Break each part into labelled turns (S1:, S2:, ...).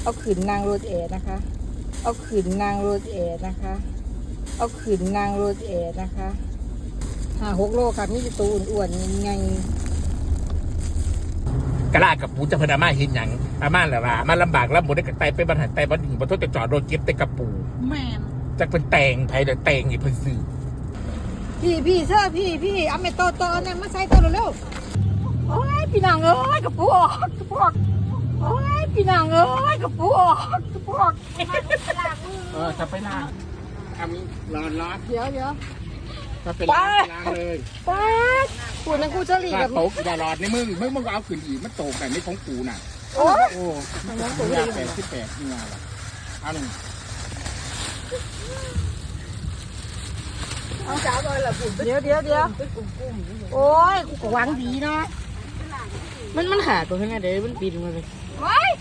S1: เอาขืนนางรถแอนะคะเอาขืนนางรถแอนะคะเอาขืนนางรถแอนะคะ5-6 โลค่ะมีตัวอ้วนๆไง
S2: กระลากับปูจะพนามาเห็นอย่างอาม่าแหละว่ามาลำบากแล้วหมดได้กับไตไปบรรหันไตบรรหิงบรรทุกจะจอดรถเก็บแต่กระปู
S1: แม่น
S2: จะเป็นแตงไทยเดี๋ยวแตงอีกเพิ่นซื้อ
S1: พี่เสื้อพี่เอาเมโตเนี่ยมาใส่ตัวเร็วๆโอ้ยพี่นางเอ้ยกระปูออกโอ้ยพี่นางเอ้ยกระปูออก
S2: จะไปล้างทำร้อน
S1: เดี๋ยว
S2: ถ้าเป็นล้างเลย
S1: ป้าคุณนั่งกูจะหลีกับ
S2: ตกอย่าหลอดในมึงเอาขืนอีกมันโตแต่ไม่ของกูน่ะโอ้ย88นี่ไงล่ะเอาหนึ่ง
S1: เอาจ้าเลยล่ะคุณเดี๋ยวโอ้ยกูก็หวังดีนะ
S3: มันหาตัวข้างในเดี๋ยวมันปีนมาเลย
S1: ว้าย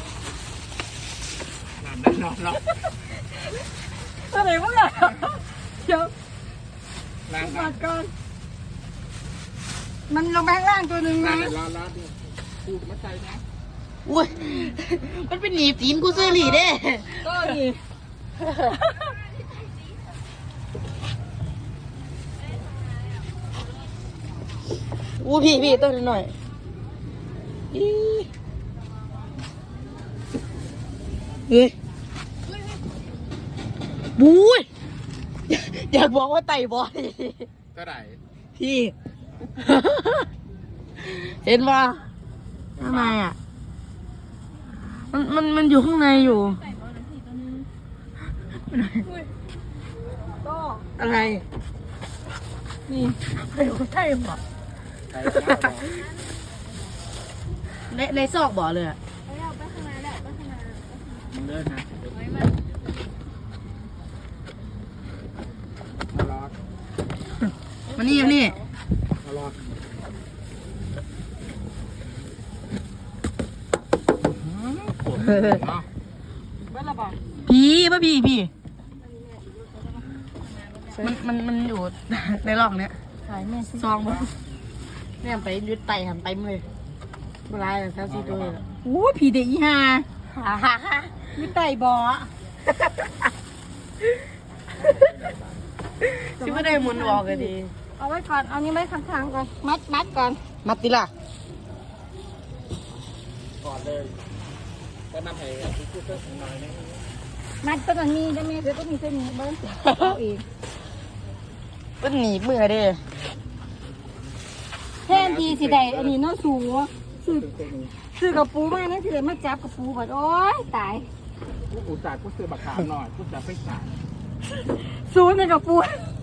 S2: นอน
S1: ตัวไหนมึงอะเดี๋ยว
S2: ล้าง
S1: ก่อนมันลงไปข้างล่างตัวหนึ่งนะ
S2: ล้างดิพูดมาใจนะ
S3: อุ้ยมันเป็นหนีบตีนกูเสื้อหลีเด้
S1: ก็ดี
S3: พี่ต้นหน่อยเฮ้ยบู๊ยอยากบอกว่าไต่บอย
S2: ก็ได้
S3: พี่ เห็นป่ะทำไมอ่ะมันอยู่ข้างในอยู่อะไรนี่ใช่ป่ะในซอกบ่อเลยอ่ะ
S2: มึงเดินนะ
S3: มานี่
S2: มารอ
S3: พี่มันอยู่ในร่องเนี้ยซองบ่เนี่ยไปยึดไตหันไปเลยเวลาแค่ซีตัวเลย
S1: โอ้ผีเด็กอีห่ามีไตบ่อ
S3: ที่ไม่ได้มุนบอกกันดี
S1: เอาไว้ก่อนเอานี้ไว้ข้างๆก่อนมัดก่อน
S3: มัดติล่ะ
S2: ก่อนเลยก็นำให้พูดเรื่องน้อยนี่
S1: มัดตัวนี้ได้ไหมเดี๋ยวต้องมีเส้นนี้เบิ้ลเอาเอง
S3: เป็นหนีบมือเด้
S1: แทนทีสิได้อันนี้น้องสูงซื้อกระปูมานั่นสิเลยมาจับกระปูแบบโอ๊ยตาย
S2: กูจ่ายกูซื้อบักขามหน่อยกูจะไปจ่าย
S1: ศูนย์ในกระปู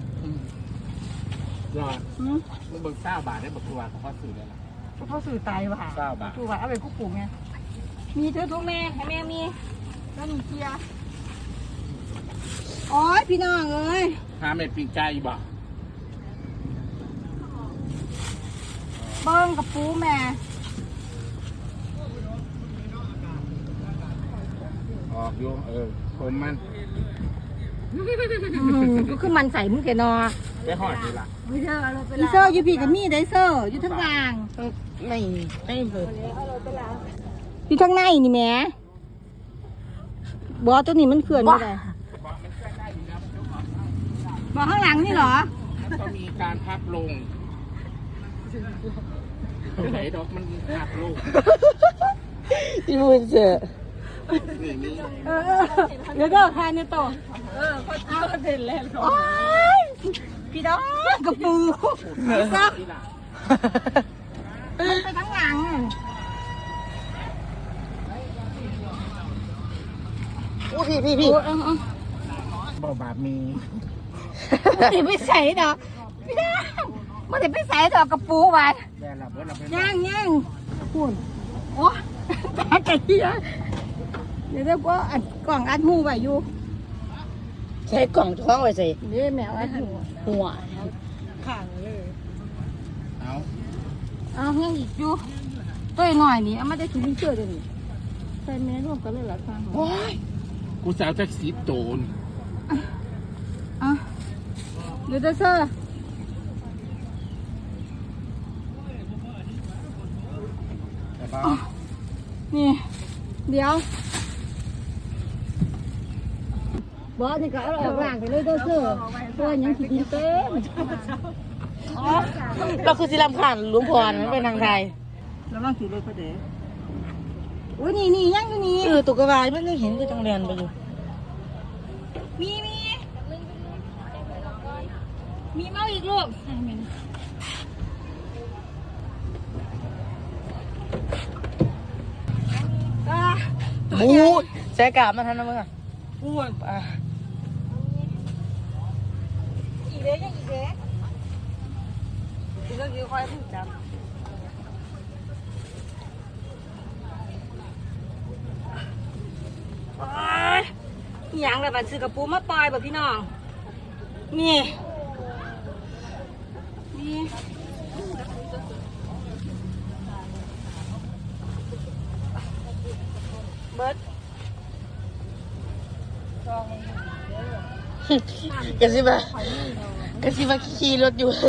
S2: รอมึงเบิ่ง9 บาทได้บักตัวเขาซื้อได้ละ
S1: เขาซื้อตายว่ะ
S2: 9 บาท
S1: กูว่าเอาไปกูปลูกไงมีเธอทุกแม่ให้แม่มีแล้วมีเกียร์โอ๊ยพี่น้องเอ้ย
S2: หาเม็ดปีกไก่บ่
S1: เบิ้งกับปูแม่
S2: ออกอยู่ผมมัน
S1: ก็คือมันใส่มึงแกนอ
S2: ไปหอดดีละ
S1: อีเซอร์อยู่พี่กับมี่ได้เซอร์อยู่ทั้งกลาง
S3: ไม่เปิด
S1: อยู่ทั้งในนี่แม่บอตัวนี้มันเขื่อนไม่ได้บอข้างหลังนี่เหรอ
S2: ก็มีการพับลงไหนดอกมันพับลง
S3: ที่มึงเจอ
S1: เดี๋ยวก็ทานเนี่ยโตเขาเห็นแล้วพี่ดอกกระปูซักไปทั้งหลัง
S3: พี่
S2: บ่บาปมี
S1: ไม่ใส่ดอกพี่ดอกมันจะไม่ใส่ดอกกระปูไปย่างพูดโอ้ตาไก่เหี้ยเดี๋ยวก็อัดกล่องอัดหูไว้อยู่
S3: ใช้กล่องท้องไว้ใส่
S1: นี่แมวอัด
S3: หัว
S1: ข้างเลย
S2: เอา
S1: เงี้ยอีกอยู่ตัวหน่อยนี่เอามาได้ถุงเชื่อเดี๋ยวนี้ใส่แม่ร่วมกันเลยหรอคะ
S2: โอ้ยกูสาวแท็กซี่โตน
S1: เดี๋ยวเซอร์นี่เดี๋ยวบอสนี่ก็เอาออกล่างไปเลยเด้อเสื้อตัวยังสิกินเต้ม
S3: เราคือสิลำขานหลวงพรมันเป็นทางไทย
S1: แล้วมันสิเลยประเดี๋ยวอุ้ยนี่ยังอยู่นี่
S3: ตุกกระวายมันยังเห็นก็ต้องเรียนไปอยู่
S1: มีเมาอีกลูก
S3: บูแสกามาทันนะมึงอ่ะบูอ่ะ
S1: อีเด้ยังอีเด้
S3: กูก็คือคอยพูดจับ
S1: โอ๊ยอีหยังเลยบัดซื้อกระปูมาปล่อยแบบพี่น้องนี่เบิร์ด
S3: กระซิบขี่รถอยู่